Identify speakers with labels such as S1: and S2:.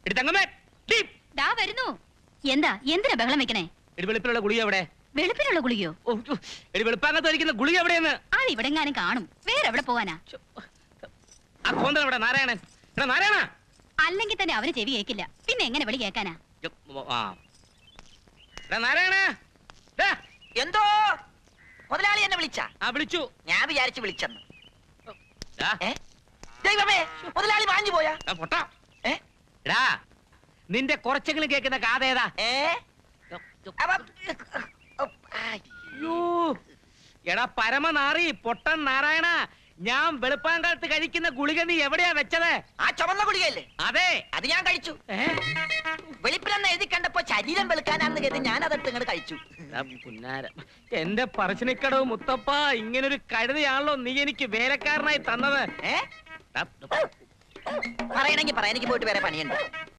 S1: വരുന്നു. എന്താ എന്തിനാ ബഹളം വെക്കണേ?
S2: വെളുപ്പിലുള്ള ഗുളിക എവിടെ?
S1: വെളുപ്പിനുള്ള ഗുളികയോ?
S2: വെളുപ്പാകത്ത് ഒരിക്കുന്ന ഗുളിക എവിടെയെന്ന്?
S1: അത് ഇവിടെ എങ്ങാനും കാണും. വേറെ എവിടെ പോവാനാ?
S2: നാരായണൻ നാരായണ
S1: അല്ലെങ്കിൽ തന്നെ അവന് ചെവി കേക്കില്ല. പിന്നെ എങ്ങനെ വിളി കേക്കാനാ?
S2: നാരായണ
S3: എന്തോ മുതലാളി എന്നെ വിളിച്ച?
S2: വിളിച്ചു.
S3: ഞാൻ വിചാരിച്ചു വിളിച്ചെന്ന്. ദൈവമേ, മുതലാളി വാഞ്ഞു പോയാ?
S2: നിന്റെ കുറച്ചെങ്കിലും കേൾക്കുന്ന കാതേതാ? എടാ പരമനാറി പൊട്ടൻ നാരായണ, ഞാൻ വെളുപ്പാങ്കാലത്ത് കഴിക്കുന്ന ഗുളിക നീ എവിടെയാ വെച്ചത്?
S3: ആ ചുവന്ന ഗുളികയല്ലേ?
S2: അതെ,
S3: അത് ഞാൻ കഴിച്ചു. വെളുപ്പിലെന്ന് എഴുതി കണ്ടപ്പോ ശരീരം വെളുക്കാനാണെന്ന് കരുതി ഞാൻ അതെടുത്ത് ഇങ്ങോട്ട് കഴിച്ചു.
S2: എന്റെ പറശ്ശിനിക്കടവ് മുത്തപ്പ, ഇങ്ങനൊരു കഴുതയാണല്ലോ നീ എനിക്ക് വേലക്കാരനായി തന്നത്.
S3: പറയണെങ്കി പറയാ, എനിക്ക് പോയിട്ട് വേറെ പണിയുണ്ട്.